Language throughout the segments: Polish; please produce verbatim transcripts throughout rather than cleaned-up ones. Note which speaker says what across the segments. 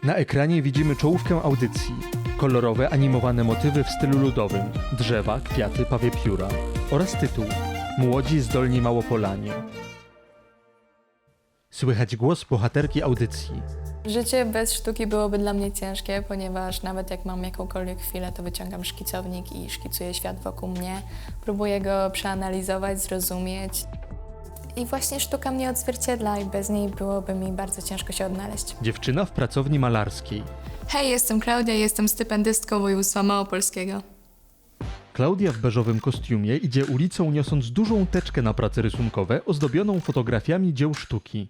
Speaker 1: Na ekranie widzimy czołówkę audycji. Kolorowe, animowane motywy w stylu ludowym, drzewa, kwiaty, pawie pióra oraz tytuł Młodzi zdolni Małopolanie. Słychać głos bohaterki audycji.
Speaker 2: Życie bez sztuki byłoby dla mnie ciężkie, ponieważ nawet jak mam jakąkolwiek chwilę, to wyciągam szkicownik i szkicuję świat wokół mnie. Próbuję go przeanalizować, zrozumieć. I właśnie sztuka mnie odzwierciedla i bez niej byłoby mi bardzo ciężko się odnaleźć.
Speaker 1: Dziewczyna w pracowni malarskiej.
Speaker 2: Hej, jestem Klaudia, jestem stypendystką województwa małopolskiego.
Speaker 1: Klaudia w beżowym kostiumie idzie ulicą, niosąc dużą teczkę na prace rysunkowe ozdobioną fotografiami dzieł sztuki.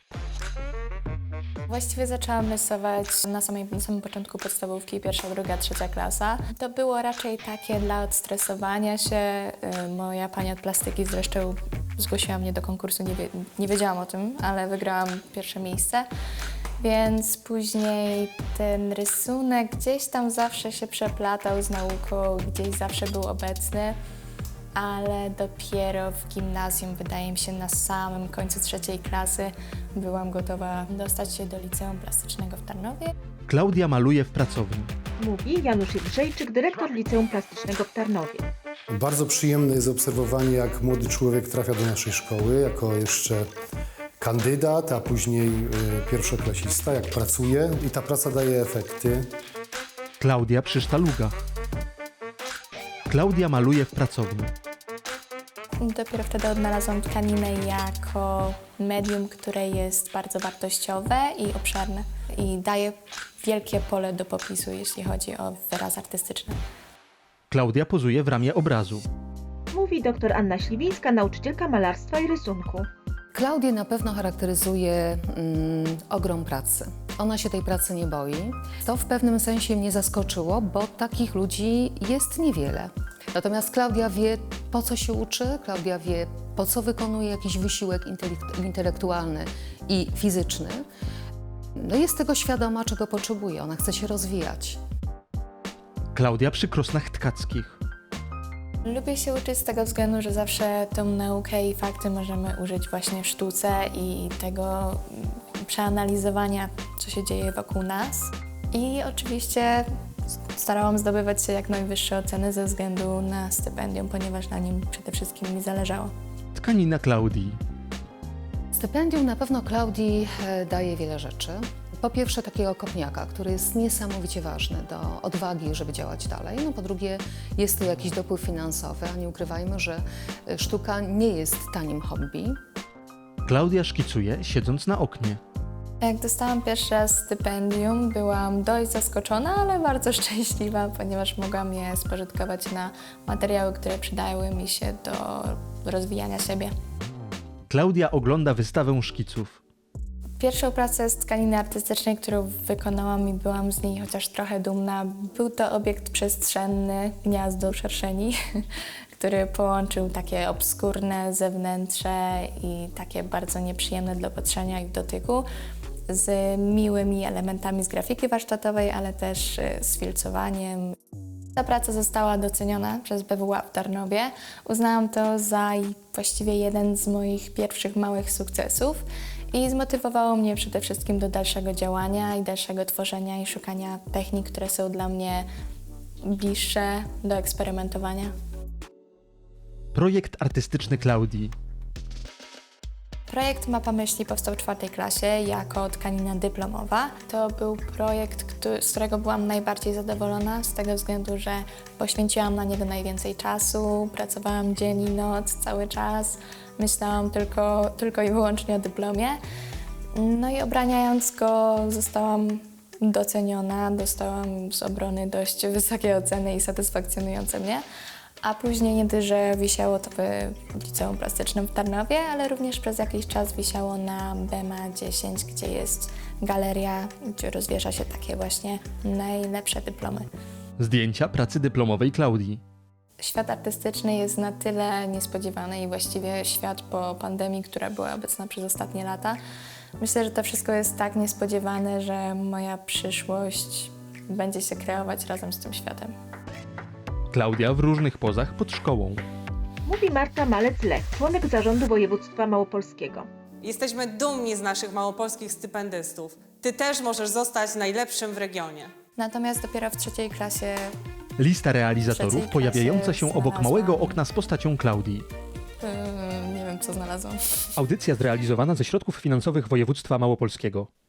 Speaker 2: Właściwie zaczęłam rysować na, samej, na samym początku podstawówki, pierwsza, druga, trzecia klasa. To było raczej takie dla odstresowania się. Moja pani od plastyki zresztą zgłosiła mnie do konkursu, nie, wie, nie wiedziałam o tym, ale wygrałam pierwsze miejsce. Więc później ten rysunek gdzieś tam zawsze się przeplatał z nauką, gdzieś zawsze był obecny. Ale dopiero w gimnazjum, wydaje mi się, na samym końcu trzeciej klasy byłam gotowa dostać się do Liceum Plastycznego w Tarnowie.
Speaker 1: Klaudia maluje w pracowni.
Speaker 3: Mówi Janusz Jędrzejczyk, dyrektor Liceum Plastycznego w Tarnowie.
Speaker 4: Bardzo przyjemne jest obserwowanie, jak młody człowiek trafia do naszej szkoły, jako jeszcze kandydat, a później y, pierwszoklasista, jak pracuje i ta praca daje efekty.
Speaker 1: Klaudia przy sztalugach. Klaudia maluje w pracowni.
Speaker 2: Dopiero wtedy odnalazłam tkaninę jako medium, które jest bardzo wartościowe i obszerne i daje wielkie pole do popisu, jeśli chodzi o wyraz artystyczny.
Speaker 1: Klaudia pozuje w ramie obrazu.
Speaker 3: Mówi dr Anna Śliwińska, nauczycielka malarstwa i rysunku.
Speaker 5: Klaudię na pewno charakteryzuje mm, ogrom pracy. Ona się tej pracy nie boi. To w pewnym sensie mnie zaskoczyło, bo takich ludzi jest niewiele. Natomiast Klaudia wie, po co się uczy, Klaudia wie, po co wykonuje jakiś wysiłek intelekt- intelektualny i fizyczny. No jest tego świadoma, czego potrzebuje. Ona chce się rozwijać.
Speaker 1: Klaudia przy krosnach tkackich.
Speaker 2: Lubię się uczyć z tego względu, że zawsze tą naukę i fakty możemy użyć właśnie w sztuce i tego przeanalizowania, co się dzieje wokół nas. I oczywiście starałam zdobywać się jak najwyższe oceny ze względu na stypendium, ponieważ na nim przede wszystkim mi zależało.
Speaker 1: Tkanina Klaudii.
Speaker 5: Stypendium na pewno Klaudii e, daje wiele rzeczy. Po pierwsze takiego kopniaka, który jest niesamowicie ważny do odwagi, żeby działać dalej. No po drugie jest to jakiś dopływ finansowy, a nie ukrywajmy, że sztuka nie jest tanim hobby.
Speaker 1: Klaudia szkicuje, siedząc na oknie.
Speaker 2: Jak dostałam pierwszy raz stypendium, byłam dość zaskoczona, ale bardzo szczęśliwa, ponieważ mogłam je spożytkować na materiały, które przydały mi się do rozwijania siebie.
Speaker 1: Klaudia ogląda wystawę szkiców.
Speaker 2: Pierwszą pracę z tkaniny artystycznej, którą wykonałam i byłam z niej chociaż trochę dumna, był to obiekt przestrzenny, gniazdo szerszeni, który połączył takie obskurne zewnętrze i takie bardzo nieprzyjemne do patrzenia i w dotyku z miłymi elementami z grafiki warsztatowej, ale też z filcowaniem. Ta praca została doceniona przez B W A w Tarnowie. Uznałam to za właściwie jeden z moich pierwszych małych sukcesów i zmotywowało mnie przede wszystkim do dalszego działania i dalszego tworzenia i szukania technik, które są dla mnie bliższe do eksperymentowania.
Speaker 1: Projekt artystyczny Klaudii.
Speaker 2: Projekt Mapa Myśli powstał w czwartej klasie jako tkanina dyplomowa. To był projekt, który, z którego byłam najbardziej zadowolona z tego względu, że poświęciłam na niego najwięcej czasu, pracowałam dzień i noc, cały czas, myślałam tylko, tylko i wyłącznie o dyplomie. No i obraniając go zostałam doceniona, dostałam z obrony dość wysokie oceny i satysfakcjonujące mnie. A później nie tylko, że wisiało to w Liceum Plastycznym w Tarnowie, ale również przez jakiś czas wisiało na B M A dziesięć, gdzie jest galeria, gdzie rozwiesza się takie właśnie najlepsze dyplomy.
Speaker 1: Zdjęcia pracy dyplomowej Klaudii.
Speaker 2: Świat artystyczny jest na tyle niespodziewany i właściwie świat po pandemii, która była obecna przez ostatnie lata. Myślę, że to wszystko jest tak niespodziewane, że moja przyszłość będzie się kreować razem z tym światem.
Speaker 1: Klaudia w różnych pozach pod szkołą.
Speaker 3: Mówi Marta Malec-Lech, członek zarządu województwa małopolskiego.
Speaker 6: Jesteśmy dumni z naszych małopolskich stypendystów. ty też możesz zostać najlepszym w regionie.
Speaker 2: Natomiast dopiero w trzeciej klasie
Speaker 1: Lista realizatorów
Speaker 2: trzeciej
Speaker 1: pojawiająca
Speaker 2: klasie
Speaker 1: się obok
Speaker 2: znalazłam-
Speaker 1: małego okna z postacią Klaudii.
Speaker 2: yy, nie wiem, co znalazłam.
Speaker 1: Audycja zrealizowana ze środków finansowych województwa małopolskiego.